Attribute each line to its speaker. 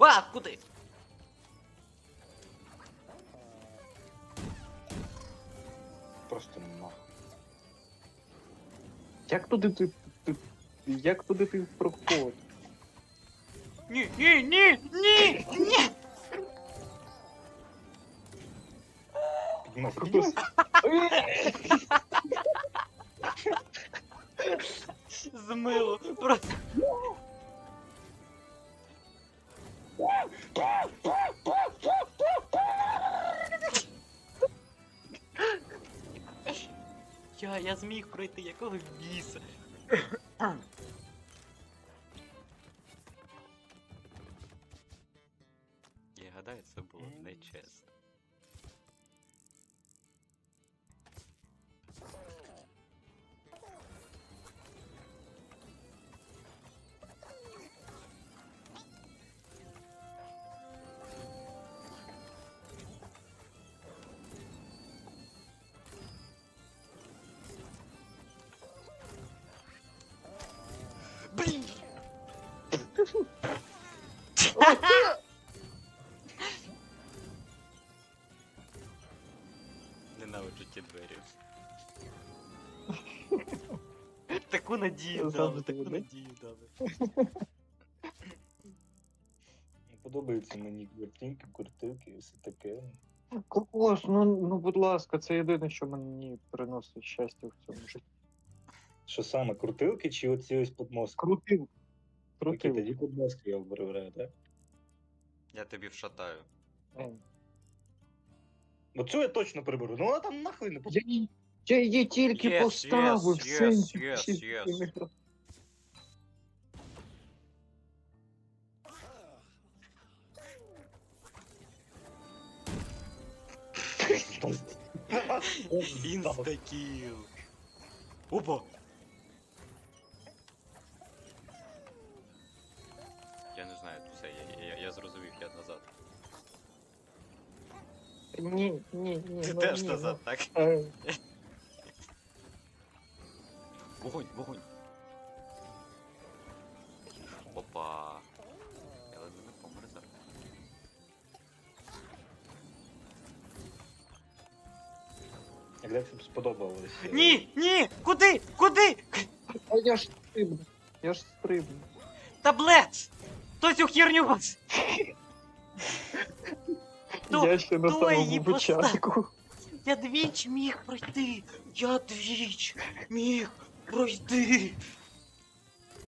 Speaker 1: А, куди?
Speaker 2: Просто нахуй.
Speaker 3: Як туди ти проходиш?
Speaker 1: Ні, ні, ні, ні, ні!
Speaker 2: Піднімайся, піднімайся.
Speaker 1: Змило, просто... Я зміг пройти, якого біса? Я гадаю, це було нечесно. Блін! Ненавиджу ті двері. Таку надію дали, таку надію дали.
Speaker 2: Подобаються мені картинки, куртилки і все таке.
Speaker 3: Кокос, ну будь ласка, це єдине, що мені приносить щастя в цьому житті.
Speaker 2: Що саме, крутилки чи оці ось подмозки?
Speaker 3: Крутив.
Speaker 2: Окей,
Speaker 3: Крутив.
Speaker 2: тоді подмозки я вибираю, так?
Speaker 1: Я тобі вшатаю.
Speaker 2: Оцю я точно приберу, ну вона там нахуй не потрібна.
Speaker 3: Я її тільки
Speaker 1: Yes,
Speaker 3: поставив.
Speaker 1: yes,
Speaker 3: все,
Speaker 1: yes,
Speaker 3: ні-
Speaker 1: yes,
Speaker 3: ні-
Speaker 1: yes.
Speaker 3: ні- ні-
Speaker 1: Інстакіл. Опа! Я не знаю, все, я зрозумів, я назад.
Speaker 3: Ні.
Speaker 1: Ти
Speaker 3: ну,
Speaker 1: теж
Speaker 3: ні,
Speaker 1: назад, так?
Speaker 3: ну,
Speaker 1: Вогонь, вогонь. Опа. Я ледве не помер зараз.
Speaker 2: Як тобі сподобалось?
Speaker 1: Ні, ні! Куди? Куди?
Speaker 3: А я ж стрибну.
Speaker 1: Таблет! Хто цю херню вас? Хто-
Speaker 3: Я ще на
Speaker 1: хто її
Speaker 3: самому
Speaker 1: поставив?
Speaker 3: початку.
Speaker 1: Я двічі міг пройти! Я двічі міг пройти!